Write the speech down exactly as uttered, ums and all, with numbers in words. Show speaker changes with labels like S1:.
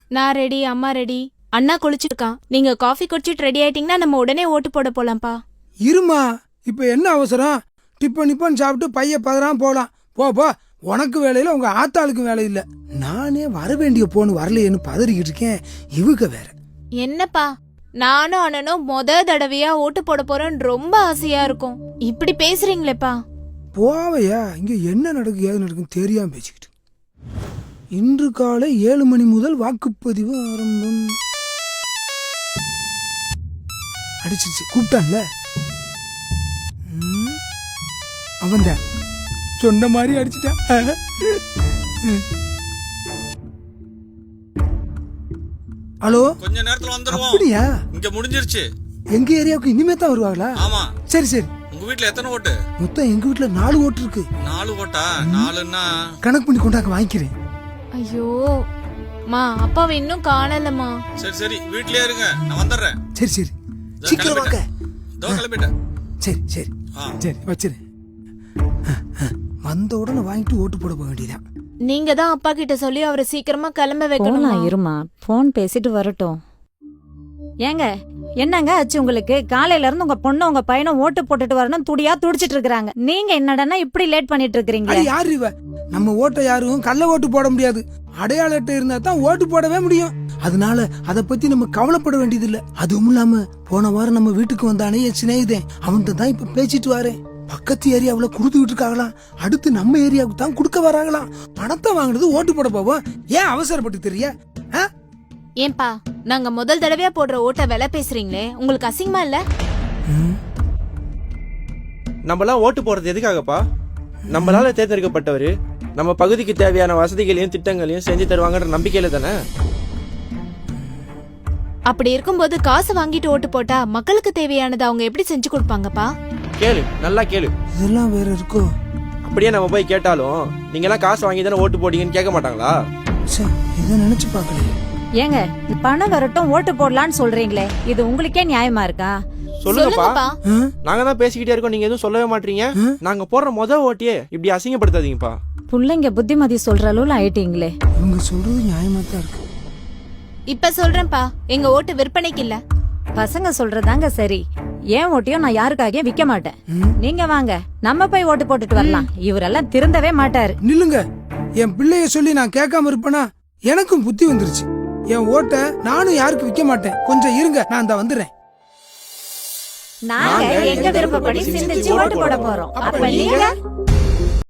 S1: நான் ரெடி, அம்மா ரெடி. அண்ணா குளிச்சிருக்கான். நீங்க காஃபி குடிச்சிட்டு ரெடி ஆயிட்டீங்கன்னா நம்ம உடனே ஓட்டு போட போலாம்ப்பா.
S2: இருமா, இப்ப என்ன அவசரம்? டிப்பன் நிப்பன் சாப்பிட்டு பைய பதறாம போலாம். போ போ, உனக்கு வேலையில உங்க ஆத்தாளுக்கு வேலை இல்ல. நானே வர வேண்டிய போன்னு வரலையேன்னு பதறிக்கிட்டு இருக்கேன். இவங்க வேற
S1: என்னப்பா, நானும் அண்ணனும் முத தடவையா ஓட்டு போட போறோம்னு ரொம்ப ஆசையா இருக்கும். இப்படி பேசுறீங்களேப்பா.
S2: போவையா, இங்க என்ன நடக்கு ஏது நடக்குன்னு தெரியாம பேசிக்கிட்டு. இன்று காலை ஏழு மணி முதல் வாக்குப்பதிவு ஆரம்பம். அடிச்சிருச்சு, கூப்பிட்டான்ல அவன் தான் சொன்ன மாதிரி அடிச்சுட்டான். ஹலோ,
S3: கொஞ்ச நேரத்துல வந்துருவோம்.
S2: அப்படியா?
S3: இங்க முடிஞ்சிருச்சு.
S2: எங்க ஏரியாவுக்கு இனிமே தான் வருவாங்களா?
S3: ஆமா.
S2: சரி சரி.
S3: உங்க வீட்ல எத்தனை ஓட்டு?
S2: மொத்தம் எங்க வீட்ல நாலு ஓட்டு இருக்கு.
S3: நாலு ஓட்டா? நாலுன்னா
S2: கணக்கு பண்ணி கொண்டாக்க வாங்கிக்கிறேன்.
S1: ஐயோ மா, அப்பாவை இன்னும் காணலமா.
S3: சரி சரி, வீட்லயே இருங்க, நான் வந்துடுறேன்.
S2: சரி சரி, சீக்கிரம் வாங்க.
S3: இதோ கிளம்பிட்டேன்.
S2: சரி சரி சரி, வச்சிரு. வந்த உடனே வாங்கிட்டு ஓட்டு போட போக வேண்டியதான்.
S1: நீங்க தான் அப்பா கிட்ட சொல்லி அவரை சீக்கிரமா கிளம்ப வைக்கணும்.
S4: போலாம், இருமா, போன் பேசிட்டு வரட்டும். ஏங்க, என்னங்க ஆச்சு உங்களுக்கு? காலையில இருந்து உங்க பொண்ணு உங்க பையனும் ஓட்டு போட்டுட்டு வரணும் துடியா துடிச்சிட்டு இருக்காங்க. நீங்க என்னடனா இப்படி லேட் பண்ணிட்டு இருக்கீங்களா?
S2: யாரு இவ? நம்ம ஓட்டை யாரும் கள்ள ஓட்டு போட முடியாது. அடையாள அட்டை இருந்தா தான் ஓட்டு போடவே முடியும். அதனால அத பத்தி நம்ம கவலைப்பட வேண்டியது இல்ல. அதுவும் இல்லாம போன வாரம் நம்ம வீட்டுக்கு வந்தானே என் சிநேகிதன், அவன்கிட்ட தான் இப்ப பேசிட்டு வரேன். பக்கத்து ஏரியாவுல குடுத்துக்கிட்டு இருக்காங்களாம். அடுத்து நம்ம ஏரியாவுக்கு தான் குடுக்க வராங்களாம். பணத்தை வாங்குறது ஓட்டு போட போவோம். ஏன் அவசரப்பட்டு தெரிய?
S1: ஏன்பா, நாங்க முதல் தடவையா போடுற ஓட்ட விலை பேசுறீங்களே, உங்களுக்கு அசிங்கமா இல்ல?
S5: நம்மளாம் ஓட்டு போறது எதுக்காகப்பா? நம்மளால தேர்ந்தெடுக்கப்பட்டவரு நம்ம பகுதிக்கு தேவையான வசதிகளையும் திட்டங்களையும் செஞ்சு தருவாங்கன்ற நம்பிக்கையில தானே.
S1: அப்படி இருக்கும்போது காசு வாங்கிட்டு ஓட்டு போட்டா மக்களுக்கு தேவையானது அவங்க எப்படி செஞ்சு கொடுப்பாங்கப்பா?
S5: கேளு, நல்லா கேளு.
S2: இதெல்லாம் வேற இருக்கோ?
S5: அப்படியே நம்ம போய் கேட்டாலும் நீங்க எல்லாம் காசு வாங்கி தானே ஓட்டு போட்டீங்கன்னு கேட்க மாட்டாங்களா?
S2: இதை நினைச்சு பாக்கலையே.
S4: ஏங்க, பணம் வரட்டும் ஓட்டு போடலான்னு சொல்றீங்களே, இது உங்களுக்கே நியாயமா இருக்கா?
S5: சொல்லுங்கப்பா. நாங்க தான் பேசிக்கிட்டே இருக்கோம், நீங்க எதுவும் சொல்லவே மாட்டீங்க. நாங்க போடுற முத ஓட்டியே இப்படி அசிங்கப்படுத்தாதீங்கப்பா.
S4: புள்ளைங்க புத்திமதி சொல்ற அளவுல ஆயிட்டீங்களே.
S2: இவங்க சொல்றது நியாயமா தான் இருக்கு.
S1: இப்ப சொல்றேன்ப்பா, எங்க ஓட்டு விற்பனைக்கு இல்ல.
S4: பசங்க சொல்றதாங்க சரி. ஏன் ஓட்டியும் நான் யாருக்காக விக்க மாட்டேன். நீங்க வாங்க, நம்ம போய் ஓட்டு போட்டுட்டு வரலாம். இவரெல்லாம் திருந்தவே மாட்டாரு.
S2: நில்லுங்க. என் பிள்ளைய சொல்லி நான் கேட்காம இருப்பேனா? எனக்கும் புத்தி வந்துருச்சு. என் ஓட்ட நானும் யாருக்கு விக்க மாட்டேன். கொஞ்சம் இருங்க, நான் அந்த வந்துடுறேன்.
S4: நாங்க எங்க விருப்பப்படி சிந்திச்சு ஓட்டு போட போறோம். அப்ப நீங்க